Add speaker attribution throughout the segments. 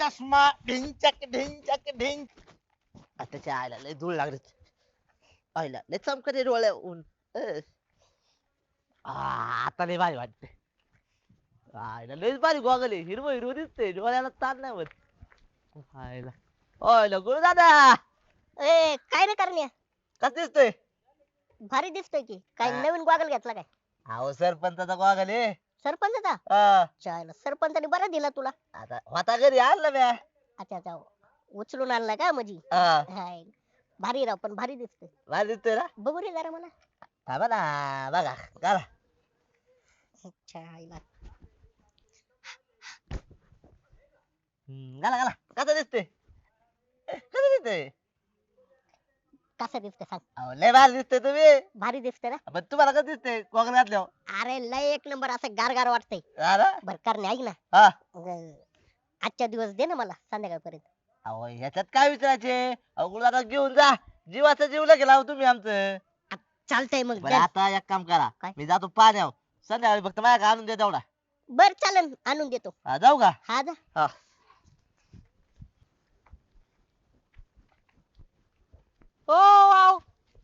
Speaker 1: चष्मा ढिंचक ढिंचक ढिंच.
Speaker 2: त्याच्या आईला लय धूळ लागली. आईला लय चमकते डोळ्या ऊन. आता लय भारी वाटते. आईला लयच भारी गॉगल आहे. हिरवं हिरवं दिसतंय, डोळ्याला ताण नाही होत. आईला ओय गुरु दादा
Speaker 3: ए काय रे करण्या,
Speaker 2: कसं दिसतोय?
Speaker 3: भारी दिसतोय की. काय
Speaker 2: हा.
Speaker 3: नवीन गॉगल घेतला काय?
Speaker 2: अहो सरपंचाचा गॉगल आहे.
Speaker 3: सरपंचाचा?
Speaker 2: हा.
Speaker 3: चायला सरपंचाने बरं दिला तुला.
Speaker 2: आता होता घरी आणलं म्या.
Speaker 3: अच्छा अच्छा, उचलून आणला का माझी?
Speaker 2: हा.
Speaker 3: हाय. भारी राव, पण भारी दिसतोय.
Speaker 2: भारी दिसतोय ना?
Speaker 3: बघू रे जरा मला.
Speaker 2: थांबा ना बघा घाला.
Speaker 3: चायला
Speaker 2: घाला घाला. कसं दिसतोय? कसं दिसतोय?
Speaker 3: कसं दिसतंय सांग.
Speaker 2: अहो लय भारी दिसतोय तुम्ही.
Speaker 3: भारी दिसतंय ना?
Speaker 2: पण तुम्हाला कसं दिसतंय गॉगल घातल्यावर?
Speaker 3: अरे लय एक नंबर, असं गार गार वाटतंय.
Speaker 2: हा ना?
Speaker 3: बर करण्या ऐक ना,
Speaker 2: हा.
Speaker 3: आजच्या दिवस दे ना मला संध्याकाळपर्यंत.
Speaker 2: अहो ह्याच्यात काय विचारायचे? अहो गुरुदादा घेऊन जा. जीवाचा जीव लगेच लावू तुम्ही आमचं.
Speaker 3: चालतंय मग.
Speaker 2: बरं आता एक काम करा.
Speaker 3: काय?
Speaker 2: मी जातो पाण्यावर. संध्याकाळी फक्त माझ्या आणून दे तेवढा.
Speaker 3: बर चालन, आणून देतो.
Speaker 2: हा, जाऊ का?
Speaker 3: हा जा.
Speaker 2: हा.
Speaker 4: ओ वाव,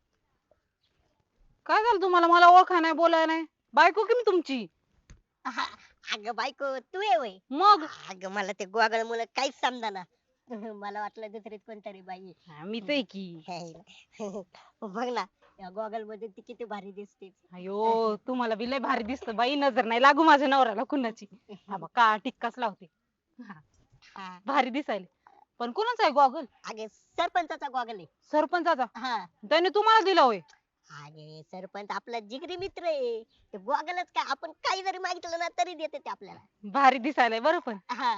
Speaker 4: काय झालं तुम्हाला? मला ओळखा नाही, बोलाय नाही. बायको की मी तुमची?
Speaker 3: हा, अगं बायको तू आहे वय?
Speaker 4: मग
Speaker 3: अगं मला ते गोगल मुलं काहीच समजाना. मला वाटलं दुसरीच कोणतरी बाई आहे.
Speaker 4: हा, मीच आहे की.
Speaker 3: बघ ना, या गॉगल मध्ये ती किती भारी दिसते.
Speaker 4: अयो तुम्हाला बी लय भारी दिसत बाई. नजर नाही लागू माझ्या नवऱ्याला कुणाची. हा बघ का टिक्काच लावते. हा,
Speaker 3: हा.
Speaker 4: भारी दिसायले. पण कुणाचा आहे गॉगल?
Speaker 3: अगे सरपंचाचा गॉगल आहे.
Speaker 4: सरपंचाचा?
Speaker 3: हा.
Speaker 4: त्याने तुम्हाला दिला होय?
Speaker 3: अगे सरपंच आपला जिगरी मित्र आहे. ते गॉगलच काय, आपण काही जरी मागितलं ना तरी देते ते आपल्याला.
Speaker 4: भारी दिसायलाय बरं. पण
Speaker 3: हा.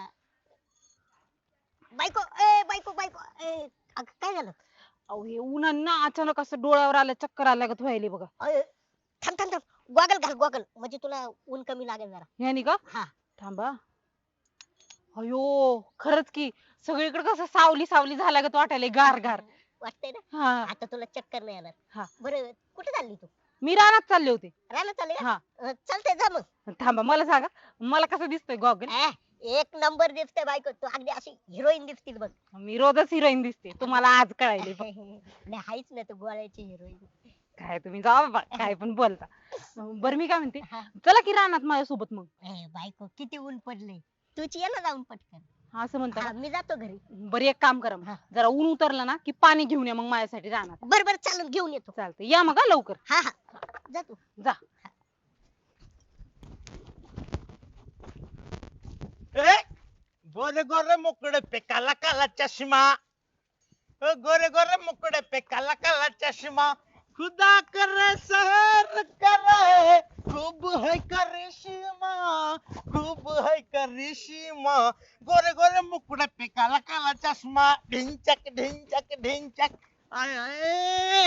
Speaker 3: बायको ए बायको बायको ए, अगं काय झालं?
Speaker 4: अहो हे उन्हानं ना अचानक असं डोळ्यावर आलं, चक्कर आल्या का व्हायले बघा.
Speaker 3: अय, थांब थांब थांब, गॉगल घाल गॉगल, म्हणजे तुला ऊन कमी लागेल जरा.
Speaker 4: ह्यानी का?
Speaker 3: हा.
Speaker 4: थांबा. अयो खरंच की, सगळीकडे कसं सावली सावली झाल्या गत वाटायले, गार गार.
Speaker 3: वाटतंय ना?
Speaker 4: हा.
Speaker 3: आता तुला चक्कर नाही येणार.
Speaker 4: हा.
Speaker 3: बरं कुठे चालली तू?
Speaker 4: मी रानात चालले होते.
Speaker 3: रानात चालली का?
Speaker 4: हा.
Speaker 3: चालतंय जा मग.
Speaker 4: थांबा, मला सांगा मला कसं दिसतोय गॉगल?
Speaker 3: एक नंबर दिसते बायको, तू अगदी अशी हिरोईन दिसतील बघ.
Speaker 4: मी रोजच हिरोईन दिसते, तुम्हाला आज कळायले बघ.
Speaker 3: नाही हायच ना तू गोळ्याची हिरोईन.
Speaker 4: काय तुम्ही जावा बाबा, काय पण बोलता. बरं मी काय म्हणते,
Speaker 3: हा.
Speaker 4: चला की रानात माझ्यासोबत मग.
Speaker 3: बायको किती ऊन पडले, तुझी ये ना जाऊन पटकन.
Speaker 4: असं म्हणता
Speaker 3: हा,
Speaker 4: का?
Speaker 3: मी जातो घरी.
Speaker 4: बरं एक काम करा मग.
Speaker 3: हा.
Speaker 4: जरा ऊन उतरलं ना की पाणी घेऊन या मग माझ्यासाठी रानात.
Speaker 3: बर बर चालून घेऊन येतो.
Speaker 4: चालतंय, या मग हा लवकर.
Speaker 3: हा हा, जा तू.
Speaker 4: जा.
Speaker 1: ए, गोरे गोरे मुकड़े पे काला काला चश्मा. ओ गोरे गोरे मुकड़े पे काला काला चश्मा. खुदा करे सहर करे, खूब है करिश्मा, खूब है करिश्मा. गोरे गोरे मुकड़े पे काला काला चश्मा. ढिंचक ढिंचक ढिंचक. आय आय.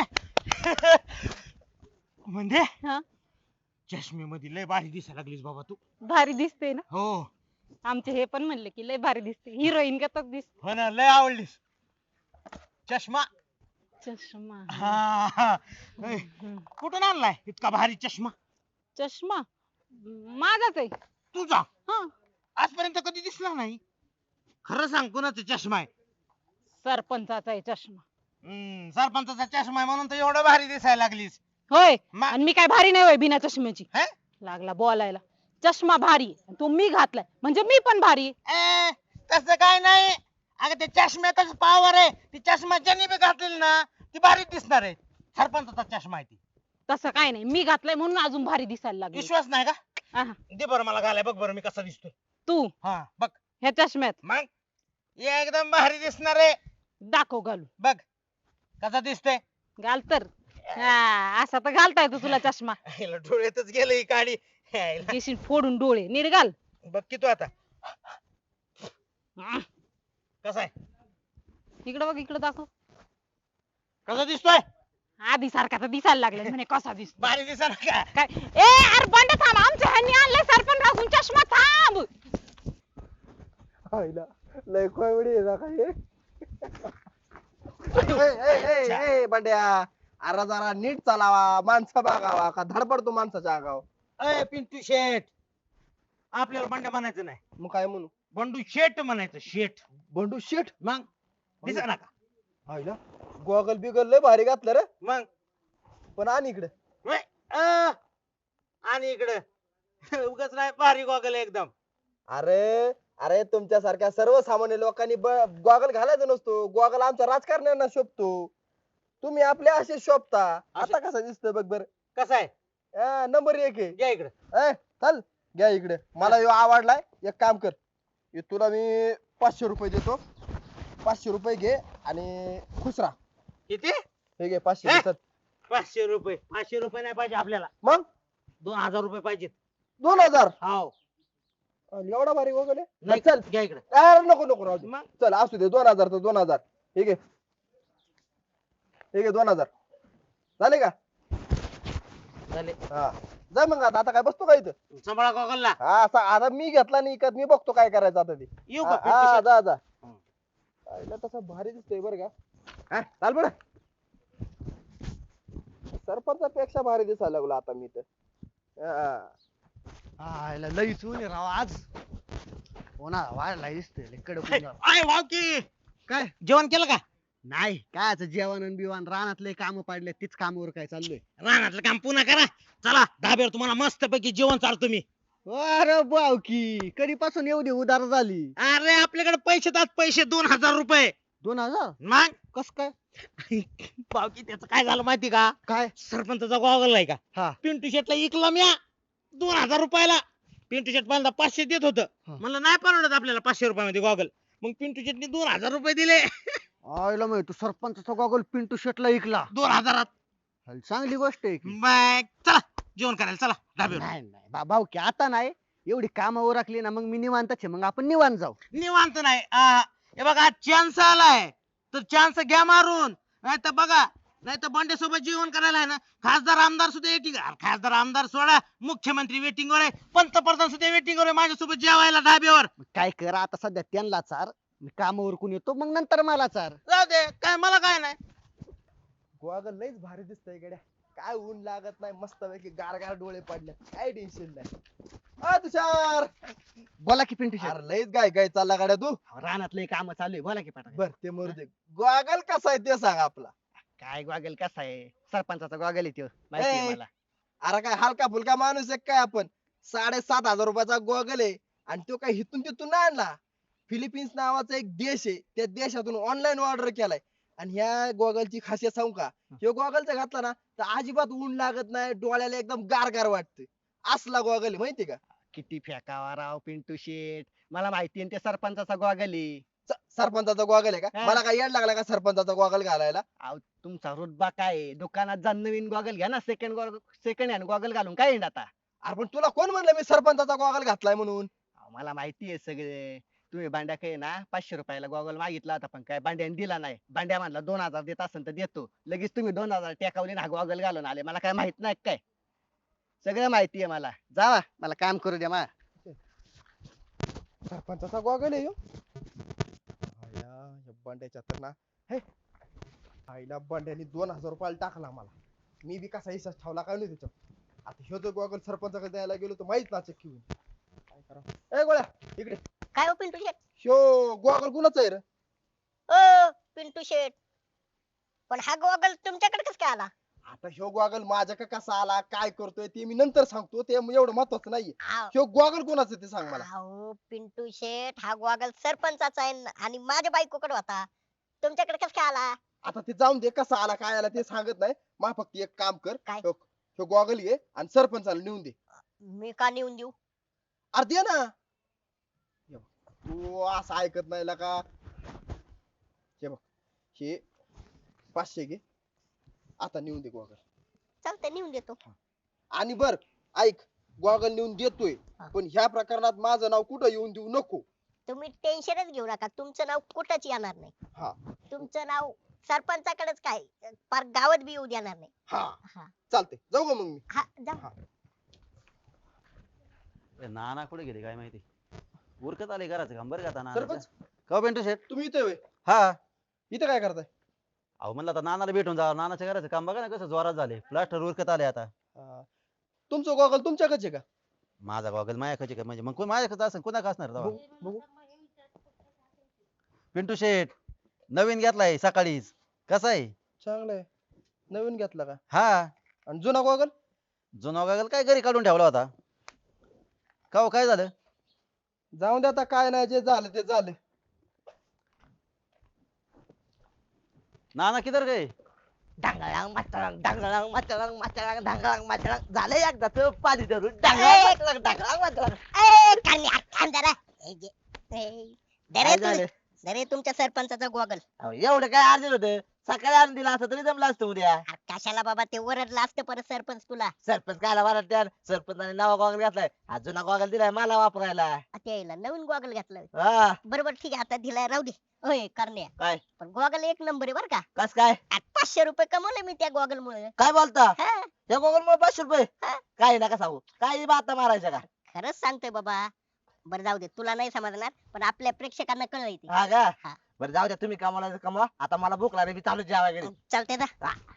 Speaker 1: म्हणजे
Speaker 4: हा,
Speaker 1: चष्मेमध्ये लय भारी दिसायला लागलीस बाबा तू.
Speaker 4: भारी दिसते ना?
Speaker 1: हो
Speaker 4: आमचे हे पण म्हणले की लय भारी दिसते, हिरोईन गतच दिसते.
Speaker 1: हो ना, लय आवडलीस. चष्मा.
Speaker 4: चष्मा.
Speaker 1: हा हा. ए,
Speaker 4: हम्म.
Speaker 1: कुठून आणलाय इतका भारी चष्मा?
Speaker 4: चष्मा माझाच आहे.
Speaker 1: तुझा?
Speaker 4: हा,
Speaker 1: आजपर्यंत कधी दिसला नाही. खरं सांग कोणाचा चष्मा आहे?
Speaker 4: सरपंचाचा आहे चष्मा.
Speaker 1: सरपंचाचा चष्मा आहे म्हणून तर एवढं भारी दिसायला लागलीस.
Speaker 4: होय,
Speaker 1: मा-
Speaker 4: आणि मी काय भारी नाही होय बिना चष्म्याची?
Speaker 1: हे?
Speaker 4: लागला बोलायला. चष्मा भारी आहे, तो मी घातलाय म्हणजे मी पण भारी आहे.
Speaker 1: तसं काय नाही. अगं ते चष्म्यातच पावर आहे. ती चष्मा ज्यांनी बी घातलेली ना ती भारी दिसणार आहे. सरपंचाचा चष्मा आहे ती.
Speaker 4: तसं काय नाही, मी घातलाय म्हणून अजून भारी दिसायला लागली.
Speaker 1: विश्वास नाही का?
Speaker 4: आहा.
Speaker 1: दे बरं मला घालाय, बघ बरं मी कसा दिसतोय.
Speaker 4: तू
Speaker 1: हा बघ
Speaker 4: ह्या चष्म्यात
Speaker 1: मग एकदम भारी दिसणार आहे.
Speaker 4: दाखव घालू.
Speaker 1: बघ कसा दिसतोय.
Speaker 4: घाल तर. हा, असा तर घालता येतो तुला चष्मा.
Speaker 1: हिला डोळ्यातच गेलं ही काडी. हिला.
Speaker 4: घेशील फोडून डोळे, नीट घाल.
Speaker 1: बघ की तू आता कसा आहे.
Speaker 4: इकडे बघ, इकडे दाखव.
Speaker 1: कसा दिसतोय.
Speaker 4: आधी सारखा तर दिसायला लागलाय म्हणे कसा दिसतो.
Speaker 1: भारी दिसणार का?
Speaker 4: काय ए अरे बंड थांब, आमच्या ह्यांनी आणलाय सरपंच राखून चष्मा, थांब.
Speaker 5: आईला लय कॉमेडी आहे ना काय. ए बंड्या, अरे जरा नीट चालावा, माणसं बघावा का धडपडतो माणसाच्या आगाव.
Speaker 1: अय पिंटू शेठ, आपल्याला बंड्या म्हणायचं नाही.
Speaker 5: मग काय म्हणू?
Speaker 1: बंडू शेट म्हणायचं शेट.
Speaker 5: बंडू शेट.
Speaker 1: मग दिसा ना का
Speaker 5: आईला गॉगल बिगल लय भारी घातलं रे.
Speaker 1: मग
Speaker 5: पण आणि इकडे
Speaker 1: व्हय, आणि इकडे उगाच नाही भारी गॉगल एकदम.
Speaker 5: अरे अरे तुमच्यासारख्या सर्वसामान्य लोकांनी गॉगल घालायचा नसतो. गॉगल आमच्या राजकारण्यांना शोभतो. तुम्ही आपले असे शोभता. आता कसा दिसतोय बघ बर.
Speaker 1: कसं आहे
Speaker 5: नंबर 1 आहे.
Speaker 1: घ्या इकडे.
Speaker 5: चल घ्या इकडे. मला ह्यो आवडलाय. एक काम कर, हे तुला मी 500 रुपये देतो. 500 रुपये घे आणि खुश राहा.
Speaker 1: किती?
Speaker 5: हे घे 500 चल.
Speaker 1: 500 रुपये. 500 रुपये नाही पाहिजे आपल्याला,
Speaker 5: मग
Speaker 1: 2000 रुपये पाहिजेत.
Speaker 5: 2000.
Speaker 1: हाव.
Speaker 5: एवढा भारी गॉगल आहे.
Speaker 1: नाही
Speaker 5: चल
Speaker 1: घ्या इकडे.
Speaker 5: अरे नको नको राहू दे.
Speaker 1: मग
Speaker 5: चल असू दे 2000 तर 2000. हे घे. हे घे 2000. झाले का?
Speaker 1: झाले.
Speaker 5: हा जा मग. आता काय बसतो का इथं?
Speaker 1: सांभाळा गॉगलला.
Speaker 5: हा आता मी घेतला नाही इकत. मी बघतो काय करायचं आता ते.
Speaker 1: येऊ
Speaker 5: हा,
Speaker 1: का
Speaker 5: हा,
Speaker 1: पिंटू
Speaker 5: जा जा.
Speaker 1: हं.
Speaker 5: आईला तसा भारी दिसतोय बरं का. हा चाल बरं. सरपंचापेक्षा भारी दिसायला लागलो आता मी तर.
Speaker 2: आयला लईच ऊन आहे राव आज. हो ना वाढलाय दिसतोय लय कडक ऊन
Speaker 1: शेट?
Speaker 2: राव.
Speaker 1: आय वाव की
Speaker 2: काय
Speaker 1: जेवण केलं का?
Speaker 2: नाही काय जेवण आणि बिवण रानातले काम पाडले तीच कामावर काय चाललोय.
Speaker 1: रानातलं काम पुन्हा करा. चला धाब्यावर तुम्हाला मस्त पैकी जेवण चालतो मी.
Speaker 2: अरे बावकी कधीपासून एवढी उदार झाली.
Speaker 1: अरे आपल्याकडे पैसे आहेत पैसे 2000 रुपये.
Speaker 2: 2000
Speaker 1: मग
Speaker 2: कस काय
Speaker 1: बाकी त्याचं काय झालं माहिती का?
Speaker 2: काय
Speaker 1: सरपंचाचा गॉगल आहे का
Speaker 2: हा
Speaker 1: पिंटू शेटला इकला म्या 2000 रुपयाला. पिंटू शेट पहिल्यांदा 500 देत होतं.
Speaker 2: हा.
Speaker 1: म्हणलं नाही परवडत आपल्याला 500 रुपयामध्ये गॉगल. मग पिंटू शेटने 2000 रुपये दिले.
Speaker 2: आयला माहित तू सरपंचाचा गॉगल पिंटू शेटला ऐकला.
Speaker 1: 2000.
Speaker 2: चांगली गोष्ट आहे की.
Speaker 1: मग चला जेवण करायला चला धाब्यावर.
Speaker 2: नाही नाही भाऊकी आता नाही. एवढी कामावर राखली ना मग मी निवांतच आहे. मग आपण निवांत जाऊ.
Speaker 1: निवांत नाही हे बघा चान्स आलाय तर चान्स घ्या मारून. नाही तर बघा नाही तर बंडे सोबत जेवण करायला आहे ना खासदार आमदार सुद्धा वेटिंग. खासदार आमदार सोडा मुख्यमंत्री वेटिंग वर आहे. पंतप्रधान सुद्धा वेटिंग वर आहे माझ्यासोबत जेवायला धाब्यावर.
Speaker 2: मग काय कर आता सध्या त्यांना चार. मी कामावर कोण येतो मग नंतर मला चार.
Speaker 1: जाऊ दे काय मला काय नाही.
Speaker 5: गॉगल लयच भारी दिसतंय गड्या. काय ऊन लागत नाही. मस्त पैकी गारगार डोळे पडले. काय टेन्शन नाही. तुषार
Speaker 2: बोला की पिंटू शेट.
Speaker 5: अरे लयच काय चालला गाड्या तू.
Speaker 2: रानातले काम चालू आहे. बोला की पाठा.
Speaker 5: बर ते मरू दे. गॉगल कसा आहे ते सांग आपला.
Speaker 2: काय गॉगल कसा आहे सरपंचाचा गॉगल आहे त्यो माहिती आहे
Speaker 5: ए,
Speaker 2: मला.
Speaker 5: अरे काय हलका फुलका माणूस आहे काय आपण. 7500 रुपयाचा गॉगल आहे आणि तो काय हिथून तिथून नाही आणला. फिलिपिन्स नावाचा एक देश आहे. त्या देशातून ऑनलाईन ऑर्डर केलाय. आणि ह्या गॉगलची खासियत सांगू का? ह्यो गॉगलचा घातला ना तर अजिबात ऊन लागत नाही. डोळ्याला एकदम गारगार वाटतं. असला गॉगल आहे माहिती का?
Speaker 2: किती फेकावा राव पिंटू शेट. मला माहिती आहे ते सरपंचाचा गॉगल आहे.
Speaker 5: सरपंचाचा गॉगल आहे का?
Speaker 2: हा.
Speaker 5: मला काय येड लागला का सरपंचाचा गॉगल घालायला?
Speaker 2: अहो तुमचा रुतबा काय आहे? दुकानात जा नवीन गॉगल घ्या ना. सेकंड हँड गॉगल घालून काय येणार आता.
Speaker 5: अरे पण तुला कोण म्हणलं मी सरपंचाचा गॉगल घातलाय म्हणून?
Speaker 2: अहो, मला माहिती आहे सगळे. तुम्ही भांड्या काय ना 500 रुपयाला गॉगल मागितला होता पण काय भांड्याने दिला नाही. भांड्या म्हणला 2000 देत असेल तर देतो. लगेच तुम्ही 2000 टेकावले ना गॉगल घालून आले. मला काय माहित नाही काय. सगळं माहिती आहे मला. जावा मला काम करू द्या मा.
Speaker 5: सरपंचाचा गॉगल आहे ह्यो. आया, या बंड्याच्या तर ना हे आईला बंड्याने 2000 रुपयाला टाकला मला. मी बी कसा हिसाब ठेवला काय नाही त्याच्यात. आता ह्यो जर गॉगल सरपंचाकडे द्यायला गेलो तर माहित ना चक्की होईल. काय करा ए गोळ्या इकडे.
Speaker 3: काय हो पिंटू शेट?
Speaker 5: ह्यो गॉगल कुणाचा आहे रे?
Speaker 3: ओ पिंटू शेट, पण हा गॉगल तुमच्याकडे कस काय आला?
Speaker 5: आता ह्यो गॉगल माझ्याकडे कसा आला काय करतोय ते मी नंतर सांगतो. ते एवढं महत्वाचं नाहीये.
Speaker 3: आव,
Speaker 5: ह्यो गॉगल कुणाचं ते सांग मला.
Speaker 3: अहो पिंटू शेट, हा गॉगल सरपंचाचा आहे आणि माझ्या बायकोकडे होता. तुमच्याकडे कस काय आला?
Speaker 5: आता ते जाऊन दे कसा आला काय आला ते सांगत नाही. मा फक्त एक काम कर.
Speaker 3: काय?
Speaker 5: ह्यो गॉगल घे आणि सरपंचाला नेऊन दे.
Speaker 3: मी का नेऊन देऊ?
Speaker 5: अरे दे ना. हे बघ, तू असं ऐकत नाही ला का. हे बघ हे 500 घे. आता नेऊन दे गॉगल.
Speaker 3: चालतंय नेऊन देतो.
Speaker 5: आणि बर ऐक गॉगल नेऊन देतोय
Speaker 3: हा.
Speaker 5: पण ह्या प्रकरणात माझं नाव कुठं येऊन देऊ नको.
Speaker 3: तुम्ही टेन्शनच घेऊ नका. तुमचं नाव कुठंच येणार नाही.
Speaker 5: हा
Speaker 3: तुमचं नाव सरपंचाकडेच काय पार गावात बी येऊ देणार नाही.
Speaker 5: हा
Speaker 3: हा
Speaker 5: चालते जाऊ का मग मी.
Speaker 3: हा जा.
Speaker 5: हा.
Speaker 6: नाना कुठे गेले काय माहिती. उरकत आले घराचं काम बरं का आता
Speaker 5: सरपंच
Speaker 6: का पिंटू शेट.
Speaker 5: तुम्ही इथे होय?
Speaker 6: हा
Speaker 5: इथे काय करताय?
Speaker 6: अहो म्हणलं आता नानाला भेटून जा. नानाच्या घराचं काम बघा ना कसं जोरात झाले. प्लास्टर उरकत आले आता.
Speaker 5: हा. तुमचं गॉगल तुमच्याकडे का?
Speaker 6: माझा गॉगल माझ्याकडे का म्हणजे मग कोण माझ्याकडे असं कोणाकडे असणार तेव्हा?
Speaker 5: बघू बघू
Speaker 6: पिंटू शेठ नवीन घेतलाय सकाळीच. कसा आहे?
Speaker 5: चांगलंय. नवीन घेतला का?
Speaker 6: हा.
Speaker 5: आणि जुना गॉगल?
Speaker 6: जुना गॉगल काय घरी काढून ठेवला होता. का हो, काय झालं?
Speaker 5: जाऊन दे आता, काय नाही, जे झालं ते झालं.
Speaker 6: नाना किधर गए?
Speaker 1: डांगळांग माचळांग डांगळांग माचळांग माचळांग डांगळांग माचळांग झालं एकदाच पाणी धरून
Speaker 3: ए!
Speaker 1: डांगळांग माचळांग डांगळांग माचळांग.
Speaker 3: ए, कान्या, थांब जरा. दे रे
Speaker 1: काय झालं?
Speaker 3: दे रे तुमच्या सरपंचाचा गॉगल.
Speaker 1: अहो, एवढं काय अर्जंट होतं? सकाळी आणून दिला असतं तरी जमलं असतं उद्या.
Speaker 3: कशाला बाबा ते ओरडलं असतं परत सरपंच तुला.
Speaker 1: सरपंच कायला वाटत? सरपंचाने नवा गॉगल घातलाय, हा जुना गॉगल दिलाय मला वापरायला.
Speaker 3: त्याला नवीन गॉगल घेतलं.
Speaker 1: हा.
Speaker 3: बरोबर ठीक आहे, आता दिलाय राहू दे. होय करण्या,
Speaker 1: काय?
Speaker 3: पण गॉगल एक नंबर आहे बर का.
Speaker 1: कस काय?
Speaker 3: आज 500 रुपये कमवले मी त्या गॉगल मुळे.
Speaker 1: काय बोलता?
Speaker 3: हा,
Speaker 1: या गॉगल मुळे 500 रुपये?
Speaker 3: हा.
Speaker 1: काय नका सांगू, काही बाता मारायच्या का?
Speaker 3: खरंच सांगतोय बाबा. बरं जाऊ दे, तुला नाही समजणार पण आपल्या प्रेक्षकांना कळलं ते.
Speaker 1: हा का?
Speaker 3: हा.
Speaker 1: बरं जाऊ द्या, तुम्ही कमवला तर कमवा, आता मला भूक लागली, मी चालू जेवायला घरी.
Speaker 3: चालतंय ना.